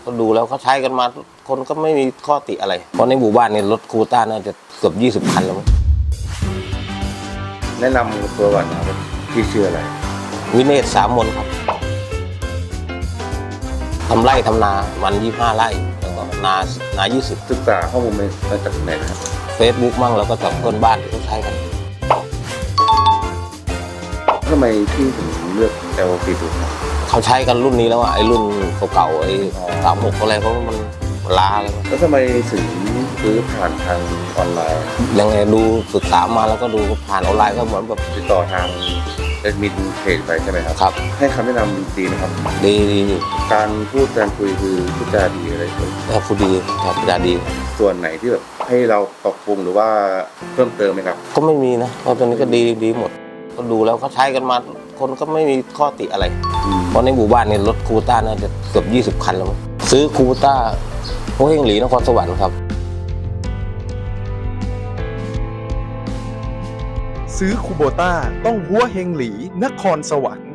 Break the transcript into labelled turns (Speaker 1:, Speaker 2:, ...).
Speaker 1: ก็ดูแล้วเขาใช้กันมาคนก็ไม่มีข้อติอะไรเพราะในหมู่บ้านเนี่ยรถคูต้าน่าจะเกือบ20 คันแล้วมั้ง
Speaker 2: แนะนำตัวก่อนนะครับพี่ชื่ออะไร
Speaker 1: วิเนศสามมนครับทำไร่ทำนาวัน25 ไร่แล้วก็นา20
Speaker 2: ศึกษาข้อมูลมาจากไหนนะครับ
Speaker 1: Facebook มั่งแล้วก็จากเพื่อนบ้านที่เขาใช้กัน
Speaker 2: ทำไมพี่ถึงเลือก L40 ครับ
Speaker 1: เขาใช้กันรุ่นนี้แล้วอะไอ้รุ่นเก่าๆไอ้36อะไรเพราะว่ามันล้าแล้ว
Speaker 2: แล้วทำไมถึงซื้อผ่านทางออนไลน์
Speaker 1: ยังไงดูศึกษามาแล้วก็ดูผ่านออนไลน์ก็เหมือนแบบ
Speaker 2: ติดต่อทางแอดมินเพจไปใช่ไหมครับ
Speaker 1: ครับ
Speaker 2: ให้คำแนะนำดีนะครับ
Speaker 1: ดีอยู่
Speaker 2: การพูดการคุยคือพูดจาดีอะไรเลย
Speaker 1: แล้วผู้ดีครับดี
Speaker 2: ส่วนไหนที่แบบให้เราปรับปรุงหรือว่าเพิ่มเติมไหมครับ
Speaker 1: ก็ไม่มีนะเพราะตัวนี้ก็ดีหมดก็ดูแล้วเขาใช้กันมาคนก็ไม่มีข้อติอะไรเพราะในหมู่บ้านเนี่ยรถคูต้าน่าจะเกือบ20 คันแล้วมั้งซื้อคูต้าหัวเฮงหลีนครสวรรค์ครับ
Speaker 3: ซื้อคูโบต้าต้องหัวเฮงหลีนครสวรรค์